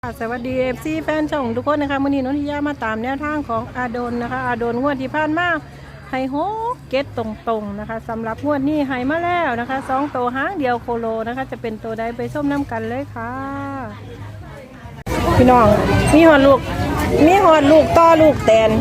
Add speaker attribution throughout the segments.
Speaker 1: สวัสดีFC แฟนช่องทุกคนนะคะวันนี้นนทิยามาตามแนวทางของอาโดนนะคะอาโดนงวดที่ผ่านมาให้โฮเก็ตตรงๆนะคะสำหรับงวดนี้ให้มาแล้วนะคะ2ตัวหางเดียวโคโลนะคะจะเป็นตัวใดไปส้มน้ำกันเลยค่ะพี่น้องมีหอดลูกต่อลูกแตน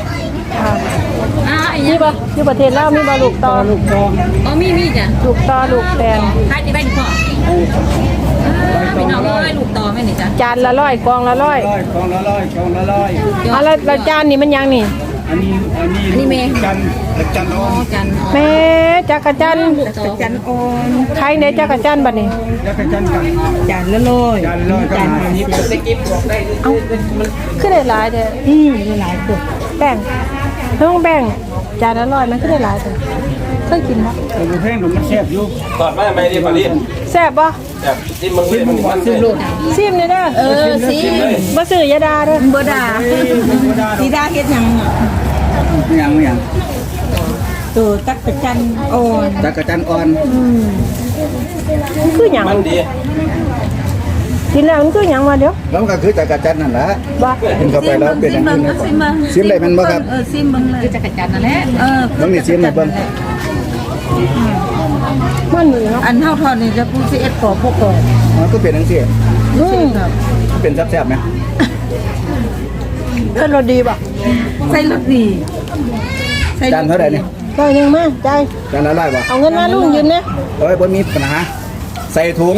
Speaker 1: นี่ปะอยู่ประเทศลาวมีบอลูกต่อลูกต่อ
Speaker 2: อ๋อมีจ้ะ
Speaker 1: ลูกต่อลูกแตน
Speaker 2: ใครจะได้ดีกว่าพี่น้องเลยลูกต่อไม่หนิจ้ะ
Speaker 1: จานละร้อยกองละร้อย
Speaker 3: กองละร้อย
Speaker 1: แล้วจานนี่มันยังนี่
Speaker 3: อันนี้เมย์จันโอน
Speaker 1: แม่จักรจันโอนใครเนี่ยจักรจันบัดนี้
Speaker 3: จักรจันกัน
Speaker 1: จานละร้อย
Speaker 3: จานนี้สกิปบอกได้
Speaker 1: เอ้าขึ้นได้หลายเด้อได้หลายตัวแบ่งต้องแบ่งจานละร้อยมันขึ้นได้หลายตัวเคยกินปะ
Speaker 3: ตัวแพงหนุ่มมันแซ่บอยู่
Speaker 4: ตอดไม่ดีพอดี
Speaker 1: แซ่บปะ
Speaker 4: แซ่บจิ้มมัน
Speaker 3: ซิมโลด
Speaker 1: ซิมเลยเด้อ
Speaker 2: ซิม
Speaker 1: บ่ซื้อยาดาเด้อ
Speaker 2: บ่ดาสีดาเฮ็ดหยังตัวจักรจันอ่อน
Speaker 1: คือหยัง
Speaker 4: มันดี
Speaker 1: กินแล้วมันคือหยังมาเดี๋ยว
Speaker 3: แล้วก็คือจักรจันนั่นแหละ
Speaker 1: บ่
Speaker 3: กินเข้าไปแล้วเป็นอย่างนี้นะซิมได้มันบ่ครับ
Speaker 2: ซิมเบิ่งเลยคือจักรจันนั่นแหละ
Speaker 3: เบิ่งนี่ซิมได้เบิ่ง
Speaker 1: มันนี่เนาะ
Speaker 2: อันเฮาทอดนี่จะพูดสิเอ็ดกอพวกกอ
Speaker 3: อ๋อก็เป็นจังซี่เป็นแซ่บๆมั้ย
Speaker 1: เพิ่นรสดีบ่
Speaker 2: ใส่รสดี
Speaker 3: จานเท่าไหร่นี่
Speaker 1: ร้อยนึงมาจ่าย
Speaker 3: จานละ100บ่
Speaker 1: เอาเงินมาลุงยืมเนี่ย
Speaker 3: โอ้ยบ่มีปัญหาใส่ถุง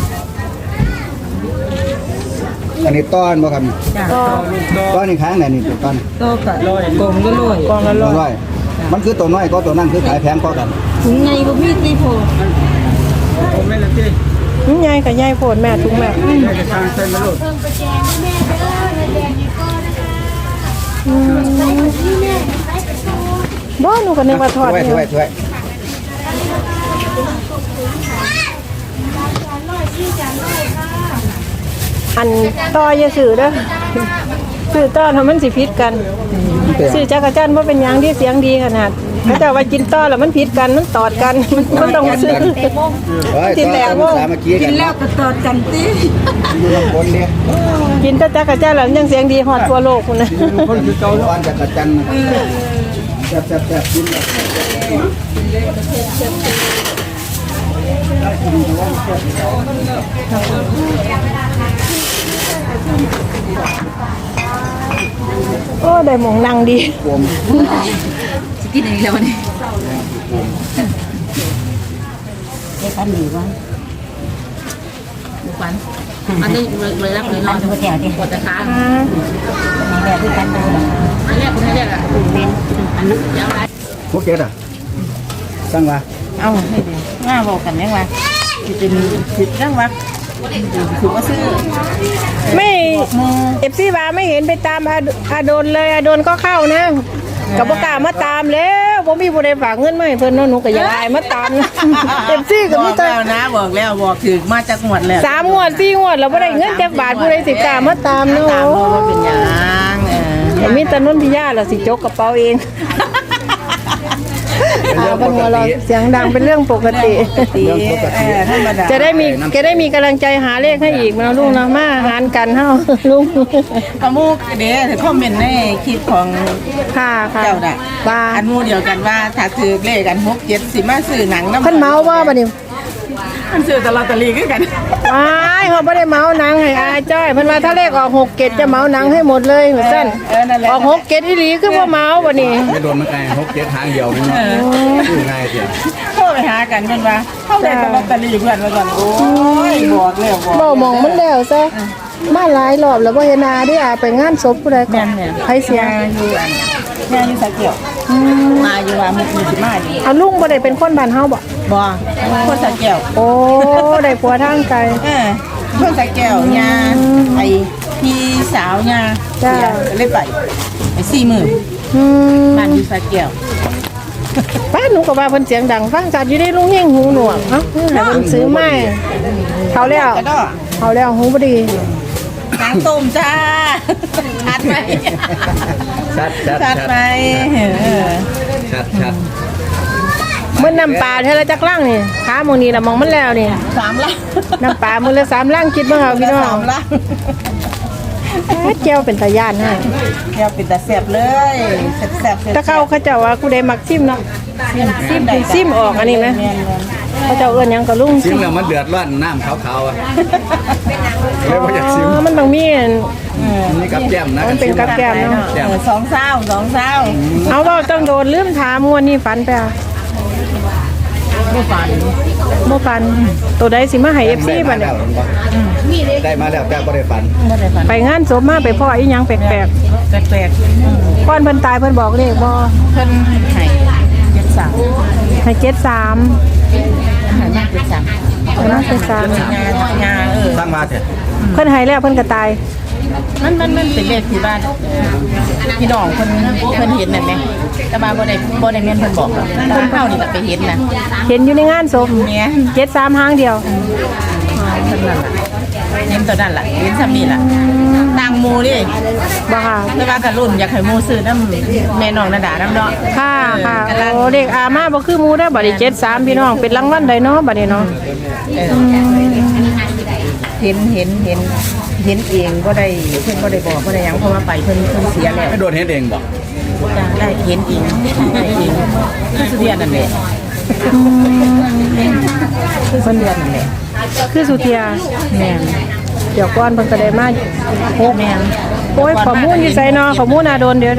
Speaker 3: อันนี้ต้อนบ่ครับต้อนนี่ค้างไหนนี่ต้อน
Speaker 2: ก็กองละ
Speaker 3: ร้อยมันคือตัวน้อยก็ตัวนั้นคือขายแพงกว่ากัน
Speaker 2: ไงบ่มีสิโพ
Speaker 3: ผมไม่ละติ
Speaker 1: ใหญ่กับใหญ่โพดแม่ถุงแม่
Speaker 3: จะทางเส้นมาโลด
Speaker 1: บ่หนูก็นึกว่าทอด
Speaker 3: ถ้วย
Speaker 1: อันต่ออย่าซื้อเด้อซื้อต่อทำมันสิผิดกันซื้อจักรจันทร์บ่เป็นหยังที่เสียงดีขนาดแต่ว่ากินต่อแล้วมันผิดกันมันตอดกันมันต้องซื้อกินแล้ว
Speaker 2: กินแล้วก็ตอดกันติ
Speaker 1: กินแต่จักรจันทร์แล้วยังเสียงดีฮอดทั่วโลกพุ่นน่ะ
Speaker 3: คนคือเก่าอ่อนจักรจันทร์แซ่บๆกิน
Speaker 1: โอ้ได้หมองนั่งดี
Speaker 2: สิกินอันนี้แล้ววันนี้ได้กันดีวะบุกวันอันนี้เลยรับเลยนอนปวดแขนดิปวดขามีแบบที่กันดูอันแรกคุณไม่เรียกอ่ะเป็นอันนั้นยังไง
Speaker 3: โอเคอ่ะสั่งว่า
Speaker 2: เอาให้ดีง่าบอกกันยังไงจะเป็นผิดเรื่องวะถือว่าซื้อ
Speaker 1: ไม่FCว่าไม่เห็นไปตามอาโดนเลยอาโดนก็เข้านะกับบ่กล้ามาตามแล้วบ่มีผู้ใดฝากเงินมาให้เพิ่นเนาะหนูก็อยากอายมาตามนะFC ก็มีแต่
Speaker 2: บอกแล้วถึงมาจากหมดแล้ว
Speaker 1: 3งวด4งวดแล้วบ่ได้เงินจักบาทผู้ใดสิกล้ามาตามเนาะ
Speaker 2: เป็นหยัง
Speaker 1: มีแต่นนทิยาล่ะสิจกกระเป๋าเองบังเราเสียงดังเป็นเรื่องปกติจะได้มีกำลังใจหาเลขให้อีกนะลุงนะมาหารกันเฮาลุง
Speaker 2: กระมูกเดี๋ยวคอมเมนต์ในคลิปของเจ้าน่ะว่าอันมูเดียวกันว่าถ้าถือเลขกัน6-7สิมาซื้อหนังน้ำ
Speaker 1: เพิ่นเมาว่าบัดนี้
Speaker 2: มันซื้อตลอดตะลีกัน
Speaker 1: เขาไม่ได้เมาหนังให้อาจ้อยเพิ่นว่าถ้าเลขออก6-7จะเมาหนังให้หมดเลยเหมือนกันออก6-7อีหลีคือบ่เมาบัดนี้
Speaker 3: ไม่โดนมันไง6-7ทางเดียวนี่คือง่ายเสีย
Speaker 2: โทรไปหากันเพิ่นว่าเฮาได้ตลอดตะลีเพื่อนว่าซั่นโอ้ยบอกแล้ว
Speaker 1: บ่มองมันแล้วซะมาหลายรอบแล้วบ่เห็นอาได้ไปงานศพผู้ใดก่อนใครเสีย
Speaker 2: อยู่อันแม่อยู่สะเกียวมาอยู่ว่ามุกมีสิมา
Speaker 1: อยู่ลุงบ่ได้เป็นคนบ้านเฮาบ่
Speaker 2: คนสะเกียว
Speaker 1: โอ้ได้ผัวทางไกล
Speaker 2: คนสะเกียวยาไอ้พี่สาวยาเลยไป40,000บ้านอยู่สะเกียว
Speaker 1: ป้าหนูก็ว่าเพิ่นเสียงดังฟังจัดอยู่ได้ลุงเฮงหูหนวกเนาะให้เพิ่นซื้อไม้เขาแล้วหูบ่ดี
Speaker 2: น้ำต้มจ้าชัดไหมชัดไหม
Speaker 3: ชัด
Speaker 1: เมื่อน้ำปลาเท่าไรจักล่างนี่ขาโมนี่ละมองมันแล้วนี่
Speaker 2: 3 ลัง
Speaker 1: น้ำปลามือละ3 ลังคิดบ้างเอาพี่น้องแก้วเป็นตาย่านให้
Speaker 2: แก้วเป็นตาแซ่บเลยแซ่บๆ
Speaker 1: ถ้าเขาเจ้าว่ากูได้มักซิมเนาะซิมออกอันนี้ไหมเขาเจ้าเอื้อนหยังก็ลุง
Speaker 3: ซิมแล้วมันเดือดร้อนน้ำขาวๆอ่ะเลยว่าอยากซิม
Speaker 1: มันต้องมี
Speaker 3: นี่กับแก้มนะ
Speaker 1: มันเป็นกับแก้มเนาะ
Speaker 2: สองเศร้า
Speaker 1: เอาว่าต้องโดนลืมถามงวดนี้ฝันไปอ่ะ
Speaker 2: ไม่ฝัน
Speaker 1: บ่ฝันตัวใดสิมาให้ FC บัดนี้
Speaker 3: ได้มาแล้วแต่บ่ได้ฝัน
Speaker 2: ไม่ได้ฝัน
Speaker 1: ไปงานศพมาไปพ่ออีหยังแปลก
Speaker 2: แปลก
Speaker 1: ๆก่อนเพิ่นตายเพิ่นบอกเลขบ่
Speaker 2: ๆเพิ่นให้เจ็ดสาม
Speaker 1: ให้ 73
Speaker 2: ให้มากเจ็ดสาม
Speaker 1: ให้มา73
Speaker 2: งา
Speaker 3: สร้างมาเถอะ
Speaker 1: เพิ่นให้แล้วเพิ่นก็ตาย
Speaker 2: มันเป็นเลขที่บ้านพี่น้องเพิ่นเห็นนั่นแหละแต่มาบ่ได้แม่นเพิ่นบอกหรอกเพิ่นเฮานี่ก็ไปเห็นนะ
Speaker 1: เห็นอยู่ในงานศพ
Speaker 2: เนี่ย
Speaker 1: 73หางเดียว
Speaker 2: เพิ่นนั่นล่ะเห็นตัวนั้นล่ะเห็นซ้ำนี่ล่ะต่างหมู่ดิ
Speaker 1: บ่ค่ะ
Speaker 2: แต่ว่าก็รุ่นอยากให้หมู่ซื้อนำแม่น้องนาดานำเนาะ
Speaker 1: ค่ะค่ะโอ้เลขอามาบ่คือหมู่ได้อบัดนี้73พี่น้องเป็นรางวัลใดเนาะบัดนี้เนาะ
Speaker 2: เห็นเองก็ได้เพิ่นก็ได้บอกก็ได้หยังเพราะว่าไปเพิ่นเสียแล้ว
Speaker 3: ไม่โดนเฮ็ดเองบ่
Speaker 2: จ้ะได้เห็นเองได้เองคือสุเรียนนั่นแหละคือสุเรียนนั่นแหละ
Speaker 1: คือสุเทีย
Speaker 2: แม่น
Speaker 1: เดี๋ยวก่อนเพิ่นก็ได้มา
Speaker 2: แม่น
Speaker 1: โอ้ยข้อมูลอยู่ไสเนาะข้อมูลน่าโดนเดี๋ยว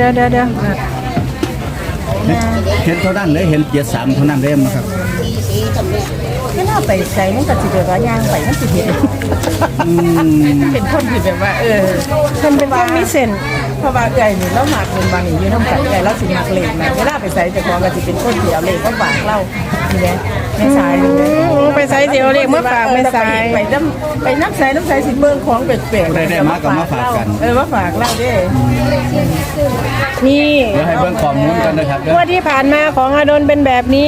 Speaker 3: เห็นเท่านั้นเลยเห็น73เท่านั้นเลยมั้งครับ
Speaker 2: ก็น่าไปใส่มันก็สิแบบว่าย่างไปมันสิเห็นเป็นคนที่แบบว่า
Speaker 1: เพิ่นเป็นคนมีเส้น
Speaker 2: เพราะว่าไก่นี่เราหมักเงินบางนี่อยู่น้ำไก่ไก่เราสิหมักเหล็กนะเวลาไปใส่แต่ของก็สิเป็นคนเดียวเหล็กก็ฝากเรานี่แหละไม่ใส่เลย
Speaker 1: ไปไสเดี๋ยวเลขมาฝากไม่ไส
Speaker 2: ไปน้ำใส่สิเบิ่งของแปลกๆมาฝากเราเด้
Speaker 1: นี่
Speaker 3: เดี๋ยวให้เบิ่งข้อมูลกันนะครับเด้
Speaker 1: ง
Speaker 3: อ
Speaker 1: วดที่ผ่านมาของอาดลเป็นแบบนี้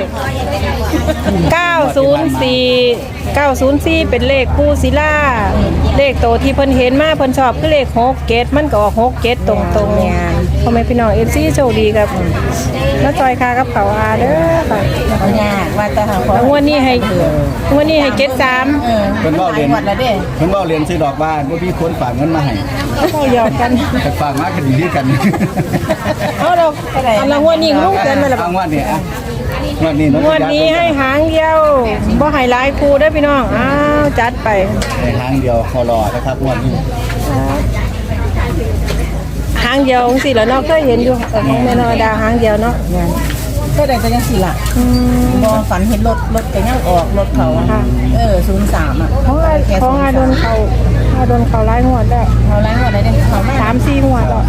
Speaker 1: 904เป็นเลขคู่ศิลาเลขโตที่เพิ่นเห็นมาเพิ่นชอบคือเลข6เกตมันก็ออก6เกตตรงๆพ่อแม่พี่น้อง FC โชคดีครับแล้วจอยคากับเขาอาเด้อค่ะ
Speaker 2: เอายากว่าแต่หาขอ
Speaker 1: แล้วงวดนี้ให้เกต3
Speaker 3: เพิ่นเว้าเรียน
Speaker 2: วัดละเด้
Speaker 3: เพิ่นเว้าเรียนซื้อดอกบ้านบ่มีคนฝากเงินมาให้
Speaker 1: เขาหยอกกัน
Speaker 3: แต่ฝากมาก็ดีคือกัน
Speaker 1: เอาเราอันละงวดนี้ลุงเกินมาแล้ว
Speaker 3: เอางวดนี้อ่ะงวดนี้เนาะ
Speaker 1: งวดนี้ให้หางเดียวบ่ให้หลายคู่เด้อพี่น้องอ้าวจัดไป
Speaker 3: ในทางเดียวคอรอนะครับงวดนี้
Speaker 1: หางเดียวจังซี่แหล้วเนาะเคยเห็นอยู่ของแม่นอดาหางเดียวเนาะ
Speaker 2: ก็ได้ก็ยังสิล่ะบ่ฝันเห็นรถก็ยังออกรถเขา03อ่ะ
Speaker 1: ของอาดนเขาหลายงวดแล้ว
Speaker 2: เขาไล่ว่าได้เด้เขามา
Speaker 1: 3-4งวดแล้ว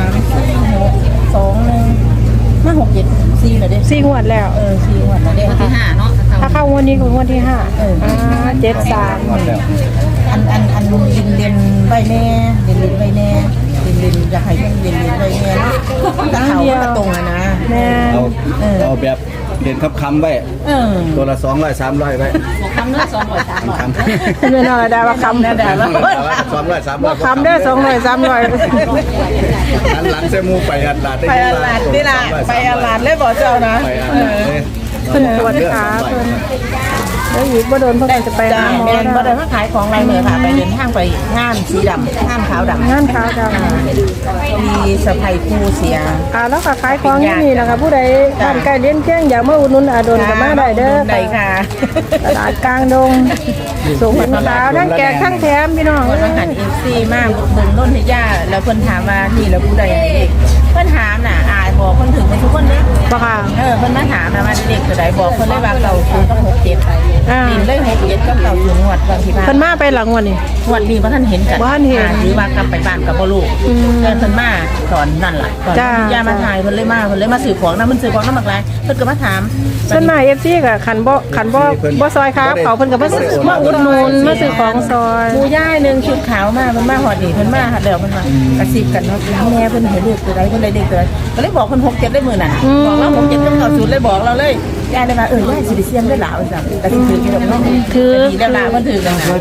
Speaker 2: 034621มา674แล้วเด้
Speaker 1: 4งวดแล้ว
Speaker 2: 4งวดแล้วเด้ที่5เนาะ
Speaker 1: ถ้าเข้างวดนี้คืองวดที่573
Speaker 3: งวดแล้ว
Speaker 2: อันเรียนใบแน่เรียนใบแน่เรียนอยากให้เรียนใบแน่เนาะแต่เขาก็ตรงอ่ะนะ
Speaker 1: แม่
Speaker 3: เอาแบบเรียนคำไว้ตัวละ200 300ไว้
Speaker 2: คำละ200
Speaker 3: คำ
Speaker 1: แม่นอดาว่าคำ
Speaker 2: 300แล้ว
Speaker 3: 200 300
Speaker 1: คำได้200 300
Speaker 3: หันหลังเสมูไปอัดลาดได้
Speaker 2: ไปอาลาดนี่ล่ะไปอาลาดเลยบอกเจ้านะ
Speaker 3: ไปอัดลาดเลย
Speaker 1: เพิ่นปวดขาเพิ่นแล้วอีกบ่โดนเพิ่นก็จะไปหาหมอ
Speaker 2: แม่นบ่ได้มาขายของไรเลยค่ะไปเดินทางไปงานสีดำงานขาวดำ
Speaker 1: งานขาวดำ
Speaker 2: มีสะพายคู่เสีย
Speaker 1: แล้วก็ขายของที่นี่นะคะผู้ใดบ้านใกล้เลี้ยงเที่ยงอยากมาอุดหนุนอาดลก็มาได้เด้อ
Speaker 2: ได้ค่ะ
Speaker 1: ตลาดกลางดงส่งเป็นขาวทั้งแจกทั้งแถมพี่น้อง
Speaker 2: คนมาหันFC มากเบิ่งต้นที่ย่าแล้วเพิ่นถามว่านี่แล้วผู้ใดเด็กเพิ่นถามน่ะอายบอกเพิ่นถึงทุกคนเด้
Speaker 1: บ่ค่ะ
Speaker 2: เพิ่นมาถามนะว่าเด็กตัวใดบอกเพิ่นเลยว่าเก่าคือต้อง67ไปดินเลย67กับเก่าถึงงวดบางที่บ้าน
Speaker 1: เพิ่นมาไปหลังวันนี้
Speaker 2: งวดนี้บ่ทันเห็นกัน
Speaker 1: บ่ทันเห็น
Speaker 2: หรือว่ากลับไปบ้านกับบ่รู้เพิ่นมาตอนนั่นล่ะตอน
Speaker 1: จ้า
Speaker 2: ย่ามาถ่ายเพิ่นเลยมาซื้อของนะมันซื้อของนำบักหลายเพิ่นก็มาถาม
Speaker 1: ส่วนมาก FC ก็คันบ่ซอยครับเขาเพิ่นก็มาอุดหนุนมาซื้อของซอย
Speaker 2: หมู่ย่ายนึงชุดขาวมาเพิ่นมาฮอดนี่เพิ่นมาแล้วเพิ่นมากระซิบกันว่าแม่เพิ่นเห็นลูกตัวใดเพิ่นได้เด็กตัวใดก็เลยบอกเพิ่น67ได้มื้อนั้นบอกเรา67กับ90เลยบอกเราเลยย่าเลยว่าย่าสิได้เสียมได้หลาว่าซั่นแต่สิถือกี่ดอกเนาะดีแล้วล่ะเพิ่นถือกันนะ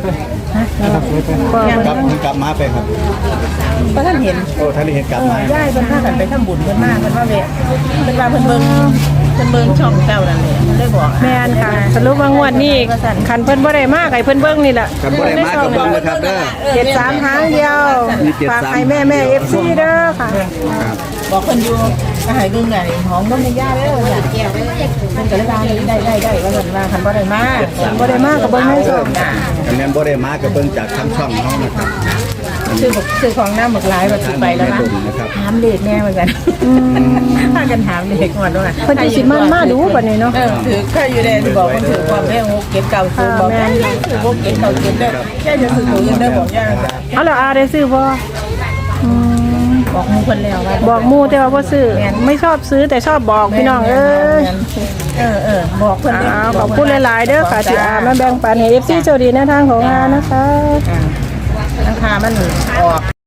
Speaker 3: กลับมาไปครับ
Speaker 2: เพราะท่านเห็น
Speaker 3: โอ้ท่านได้เห็นกลับมา
Speaker 2: ย่ายเพิ่นพากันไปทำบุญเพิ่นมาเพิ่นว่าเวะเพิ่นว่าเพิ่นเบิ่งพิ่นเบิ่งช่องเจ้านั่นแหละมันเลยบอก
Speaker 1: แม่นค่ะ สรุปว่างวดนี้คันเพิ่นบ่ได้มาให้เพิ่นเบิ่งนี่แหละ
Speaker 3: กันบ่ได้มากับเบิ่งนะครับเด้อ
Speaker 1: 73หางเดียว
Speaker 3: มี73
Speaker 1: ฝากให้แม่ FC เด้อค่ะ
Speaker 3: ครับ
Speaker 2: บอกเพิ่นอยู่ก็ให้เบิ่งไงของบ่มีย่าแล้วจ้ะเพิ่นก็เลยว่าได้ว่าซั่นว่าคันบ่ได้มา
Speaker 1: บ่ได้มาก็เบิ่งในช่อง
Speaker 3: กันแม่นบ่ได้มากับเบิ่งจากทางช่องเฮานะครับ
Speaker 2: ซื้อของน้ำหมึกหลายว่าสิไปแล้วนะถามเลขแน่เหมือนกันพากันถามเลขก่อนด้วย
Speaker 1: เพิ่นสิมาดูบัดนี้เนาะ
Speaker 2: ถือข้าอยู่แดนบอกมันถือความแม่โอ้เก็บเก่าซื้อบอกแม่ถือพวกเก็บเก่าเก็บได้แค่จะซื้อตัวยังได้บอกย่า
Speaker 1: เอาแล้วอาได้ซื้อบ่อืม
Speaker 2: บอกมูคนแล้วว่า
Speaker 1: บอกหมู่แต่ว่าบ่ซื้อไม่ชอบซื้อแต่ชอบบอกพี่น้องเอ้ย
Speaker 2: บอกเพื่อน
Speaker 1: ขอบคุณหลายๆเด้อค่ะที่อามาแบ่งปันให้ FC โชคดีในทางของอานะคะ
Speaker 2: ราคามันออก